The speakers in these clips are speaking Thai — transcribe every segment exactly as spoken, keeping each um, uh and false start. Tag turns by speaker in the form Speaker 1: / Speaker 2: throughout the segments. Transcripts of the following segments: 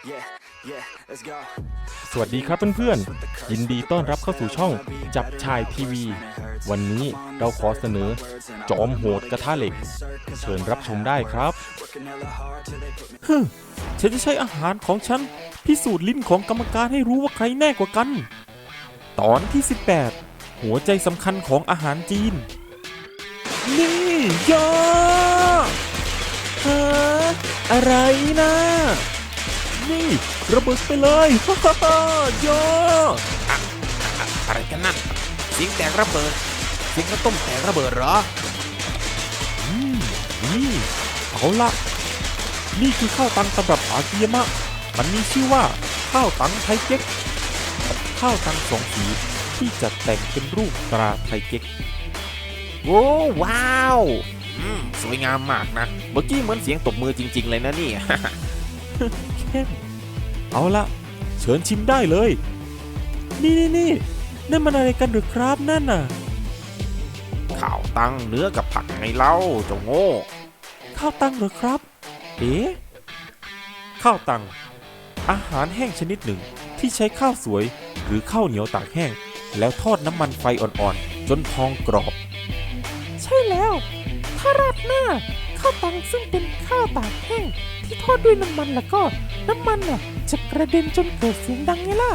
Speaker 1: สวัสดีครับเพื่อนๆยินดีต้อนรับเข้าสู่ช่องจับชายทีวีวันนี้เราขอเสนอจอมโหดกระทะเหล็กเชิญรับชมได้ครับฮึฉันจะใช้อาหารของฉันพิสูจน์ลิ้นของกรรมการให้รู้ว่าใครแน่กว่ากันตอนที่สิบแปดหัวใจสำคัญของอาหารจีนนี่ยาฮะอะไรนะนี่ระเบิดไปเลยฮ่าฮ่าฮ่ายาอะ
Speaker 2: อะอะไรกันนั่นเสียงแตกระเบิดเสียงข้าวต้มแตกระเบิดเหรอ
Speaker 1: อืมนี่เอาละนี่คือข้าวตังตำรับอากิยามะมันมีชื่อว่าข้าวตังไทเก๊กข้าวตังสองสีที่จัดแต่งเป็นรูปตราไทเก๊ก
Speaker 2: โว้ว้าวอืมสวยงามมากนะเมื่อกี้เหมือนเสียงตบมือจริงๆเลยนะนี่
Speaker 1: เข้มเอาละเชิญชิมได้เลยนี่นี่นี่นั่นมันอะไรกันหรือครับนั่นน่ะ
Speaker 2: ข้าวตังเนื้อกับผักไงเล่าเจ้าโง่
Speaker 1: ข้าวตังเหรอครับเอ๊ะข้าวตังอาหารแห้งชนิดหนึ่งที่ใช้ข้าวสวยหรือข้าวเหนียวตากแห้งแล้วทอดน้ำมันไฟอ่อนๆจนพองกรอบใช่แล้วถ้าราดหน้าข้าวตังซึ่งเป็นข้าวตากแห้งที่ทอดด้วยน้ำมันแล้วก็น้ำมันน่ะจะกระเด็นจนเกิดเสียงดังไงล่ะ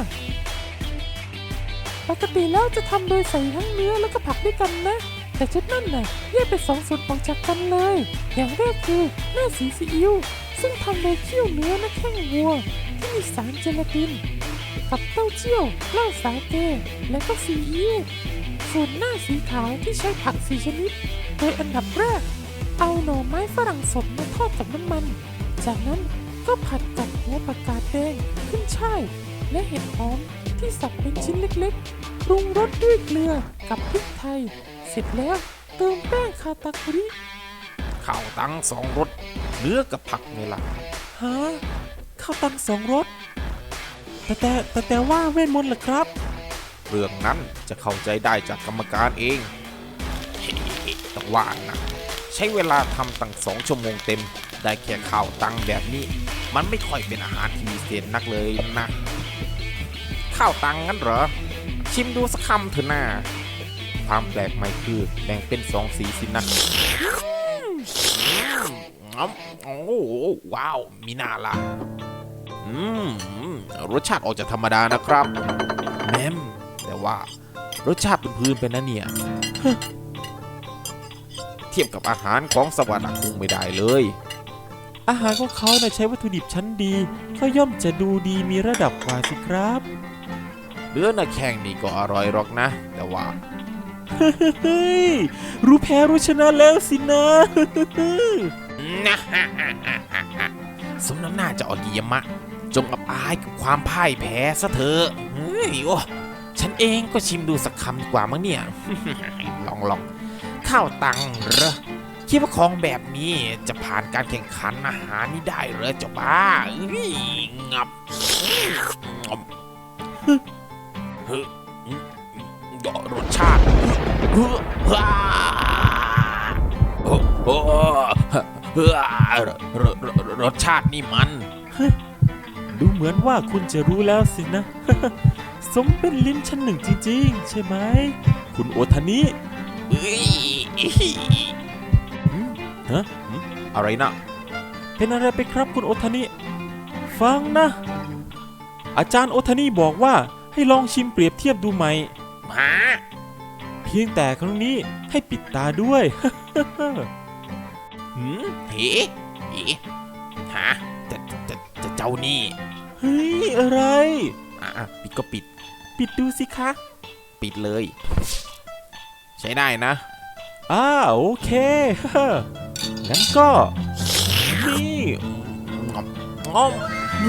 Speaker 1: ปกติแล้วจะทำโดยใส่ทั้งเนื้อแล้วก็ผักด้วยกันนะแต่ชุดนั่นน่ะแยกเป็นสองส่วนออกจากกันเลยอย่างแรกคือหน้าสีซีอิ๊วซึ่งทำโดยเคี่ยวเนื้อและแข้งวัวที่มีสารเจลาตินกับเต้าเจี้ยวเหล้าสาเกและก็ซีอิ๊วส่วนหน้าสีขาวที่ใช้ผักสี่ชนิดโดยอันดับแรกเอาหน่อไม้ฝรั่งสดมาทอดกับน้ำมันจากนั้นก็ผัดกับหัวผักกาดแดงขึ้นช่ายและเห็ดหอมที่สับเป็นชิ้นเล็กๆปรุงรสด้วยเกลือกับพริกไทยเสร็จแล้วเติมแป้งคาตาคุริ
Speaker 2: ข้าวตังสองรสเนื้อกับผักไงล่ะ
Speaker 1: ฮะข้าวตังสองรสแต่แต่แต่แต่ว่าเวทมนต์เหรอครับ
Speaker 2: เรื่องนั้นจะเข้าใจได้จากกรรมการเองต้องว่านะใช้เวลาทำตั้งสองชั่วโมงเต็มได้แค่ข้าวตังแบบนี้มันไม่ค่อยเป็นอาหารที่มีเศษนักเลยนะข้าวตังงั้นเหรอชิมดูสักคำเถอะนะความแปลกใหม่คือแบ่งเป็นสองสีสินะโอ้ว้าวมีน่าละอืมรสชาติออกจากธรรมดานะครับแม่มแต่ว่ารสชาติเป็นพื้นเป็นนะเนี่ยเทียบกับอาหารของสวรรค์คงไม่ได้เลย
Speaker 1: อาหารของเขาใช้วัตถุดิบชั้นดีก็ย่อมจะดูดีมีระดับกว่าสิครับ
Speaker 2: เนื้อหน้าแข้งนี่ก็อร่อยหรอกนะแต่ว่า
Speaker 1: เฮ้ยรู้แพ้รู้ชนะแล้วสินะ
Speaker 2: สมน้ำหน้าจะอากิยามะจงอับอายกับความพ่ายแพ้ซะเถอะเฮ้ยโอ้ฉันเองก็ชิมดูสักคำดีกว่ามั้งเนี่ยลองลองข้าวตังเหรอคิดว่าของแบบนี้จะผ่านการแข่งขันอาหารนี้ได้เหรอเจ้าบ้างับเฮ้ยรสชาติรสชาตินี่มัน
Speaker 1: ดูเหมือนว่าคุณจะรู้แล้วสินะสมเป็นลิ้นชั้นหนึ่งจริงๆใช่ไหมคุณโอทานิฮะ
Speaker 2: อะไรนะ
Speaker 1: เป็นอะไรไปครับคุณโอทานิฟังนะอาจารย์โอทานิบอกว่าให้ลองชิมเปรียบเทียบดูไหม
Speaker 2: ฮะ
Speaker 1: เพียงแต่ครั้งนี้ให้ปิดตาด้วย
Speaker 2: หืมเฮ้เฮ้ฮะจะจะจะเจ้านี่
Speaker 1: เฮ้ยอะไร
Speaker 2: อ่ะปิดก็ปิด
Speaker 1: ปิดดูสิคะ
Speaker 2: ปิดเลยใช้ได้นะ
Speaker 1: อ่าโอเคงั้นก็นี่
Speaker 2: งอม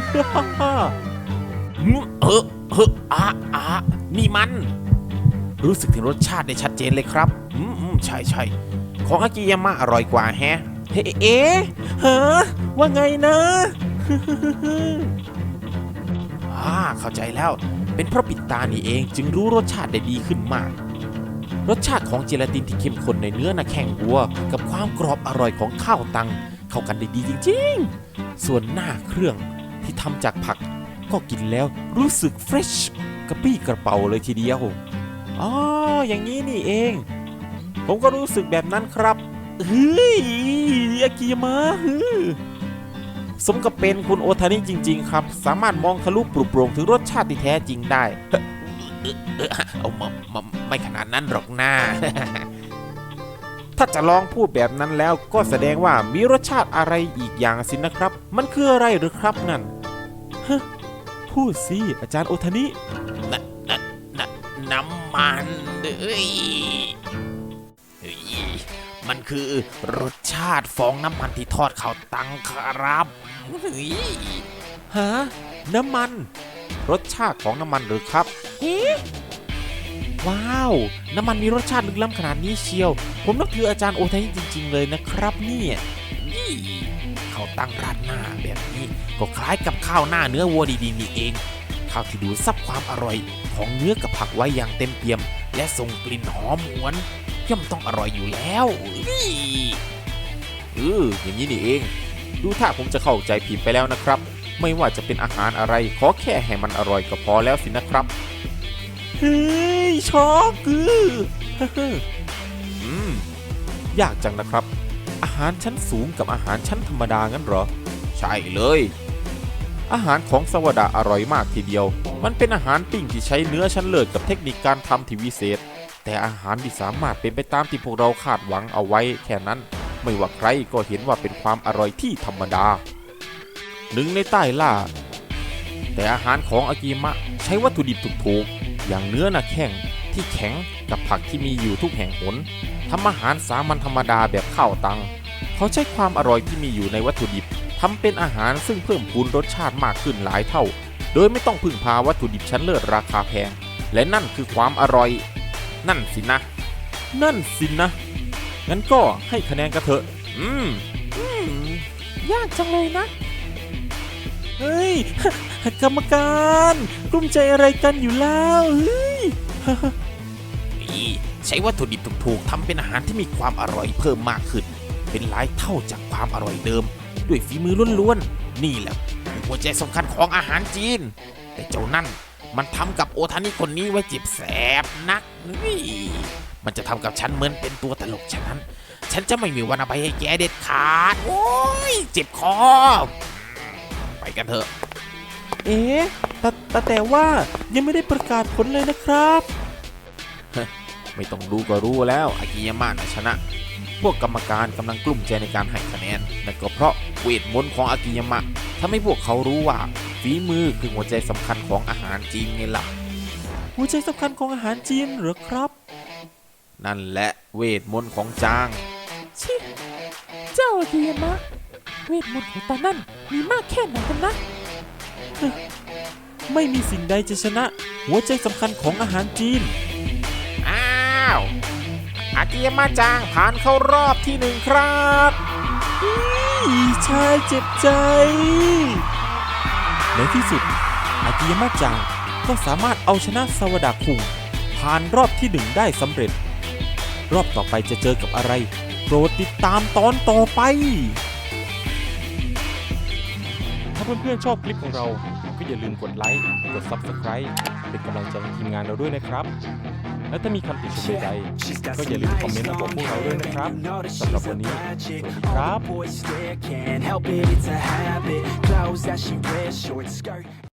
Speaker 2: เฮ้อเฮ้ออ่ะอ่ะนี่มันรู้สึกถึงรสชาติได้ชัดเจนเลยครับอืมอืมใช่ใช่ของอากิยามะอร่อยกว่าแฮะ
Speaker 1: เฮ้เอ๊ะฮะว่าไงนะ
Speaker 2: อ่าเข้าใจแล้วเป็นเพราะปิดตานี่เองจึงรู้รสชาติได้ดีขึ้นมากรสชาติของเจลาตินที่เข้มข้นในเนื้อหน้าแข้งวัวกับความกรอบอร่อยของข้าวตังเข้ากันได้ดีจริงๆส่วนหน้าเครื่องทที่ทำจากผักก็กินแล้วรู้สึกเฟรชกระปี้กระเป๋าเลยทีเดียวอ๋ออย่างนี้นี่เอง ผมก็รู้สึกแบบนั้นครับเฮ้ยอากิยามะฮือสมกับเป็นคุณโอทานิจริงๆครับสามารถมองทะลุปลุกโปร่งถึงรสชาติที่แท้จริงได้เอามามาไม่ขนาดนั้นหรอกนะ ถ้าจะลองพูดแบบนั้นแล้วก็แสดงว่ามีรสชาติอะไรอีกอย่างสินะครับมันคืออะไรหรือครับนั่นฮะพูดสิอาจารย์โอทานินนนน้ำมันเอ้ยมันคือรสชาติฟองน้ำมันที่ทอดข้าวตังครับฮะน้ำมันรสชาติของน้ำมันหรือครับเฮ้ว้าวน้ำมันมีรสชาติลึกล้ำขนาดนี้เชียวผมนับถืออาจารย์โอทานิจริงๆเลยนะครับเนี่ยนี่ข้าวตังราดหน้าแบบนี้ก็คล้ายกับข้าวหน้าเนื้อวัวดีๆนี่เองข้าวที่ดูดซับความอร่อยของเนื้อกับผักไว้อย่างเต็มเปี่ยมและส่งกลิ่นหอมหวนย่อมต้องอร่อยอยู่แล้วเอออย่างนี้นี่เองดูถ้าผมจะเข้าใจผิดไปแล้วนะครับไม่ว่าจะเป็นอาหารอะไรขอแค่ให้มันอร่อยก็พอแล้วสินะครับเฮ้ยช็อกคือ อืมยากจังนะครับอาหารชั้นสูงกับอาหารชั้นธรรมดางั้นเหรอใช่เลยอาหารของสวดาอร่อยมากทีเดียวมันเป็นอาหารปิ้งที่ใช้เนื้อชั้นเลิศกับเทคนิคการทำที่วิเศษแต่อาหารที่สามารถเป็นไปตามที่พวกเราคาดหวังเอาไว้แค่นั้นไม่ว่าใครก็เห็นว่าเป็นความอร่อยที่ธรรมดาหนึ่งในใต้ล่าแต่อาหารของอากิมะใช้วัตถุดิบถูกๆอย่างเนื้อหนักแข้งที่แข็งกับผักที่มีอยู่ทุกแห่งหนทำอาหารสามัญธรรมดาแบบข้าวตังเขาใช้ความอร่อยที่มีอยู่ในวัตถุดิบทำเป็นอาหารซึ่งเพิ่มพูนรสชาติมากขึ้นหลายเท่าโดยไม่ต้องพึ่งพาวัตถุดิบชั้นเลิศราคาแพงและนั่นคือความอร่อยนั่นสินะนั่นสินะงั้นก็ให้คะแนนกันเถอะอืม
Speaker 1: อืมยากจังเลยนะ
Speaker 2: เฮ้ย กรรมการกลุ้มใจอะไรกันอยู่แล้วเฮ้ย นี่ใช้วัตถุดิบถูกๆทำเป็นอาหารที่มีความอร่อยเพิ่มมากขึ้นเป็นหลายเท่าจากความอร่อยเดิมด้วยฝีมือล้วนๆนี่แหละหัวใจสำคัญของอาหารจีนแต่เจ้านั่นมันทำกับโอทานิคนนี้ไว้เจ็บแสบนักนี่มันจะทำกับฉันเหมือนเป็นตัวตลกฉะนั้นฉันจะไม่มีวันอภัยให้แกเด็ดขาดโอ้ยเจ็บคอไปกันเถอะเอ๊ะแต่แต่แต่ว่ายังไม่ได้ประกาศผลเลยนะครับไม่ต้องรู้ก็รู้แล้วอากิยามะนะชนะพวกกรรมการกำลังกลุ้มใจในการให้คะแนนนั่นก็เพราะเวทมนต์ของอากิยามะทำให้พวกเขารู้ว่าฝีมือคือหัวใจสำคัญของอาหารจีนไงล่ะหัวใจสำคัญของอาหารจีนเหรอครับนั่นแหละเวทมนต์ของจาง
Speaker 1: ชิเจ้าอากิยามะเวทมนต์ของตานั่นมีมากแค่ไหนกันนะ
Speaker 2: ไม่มีสิ่งใดจะชนะหัวใจสำคัญของอาหารจีนอ้าวอากิยามะจางผ่านเข้ารอบที่หนึ่งครับชายเจ็บใจในที่สุดอากิยามะจางก็สามารถเอาชนะซาวดาคุงผ่านรอบที่หนึ่งได้สำเร็จรอบต่อไปจะเจอกับอะไรโปรดติดตามตอนต่อไปถ้าเพื่อนๆชอบคลิปของเราก็อย่าลืมกดไลค์กด ซับสไครบ์ เป็นกำลังใจให้ทีมงานเราด้วยนะครับและถ้ามีคำติชมใดๆก็อย่าลืมคอมเมนต์มาบอกพวกเราด้วยนะครับสำหรับวันนี้สวัสดีครับ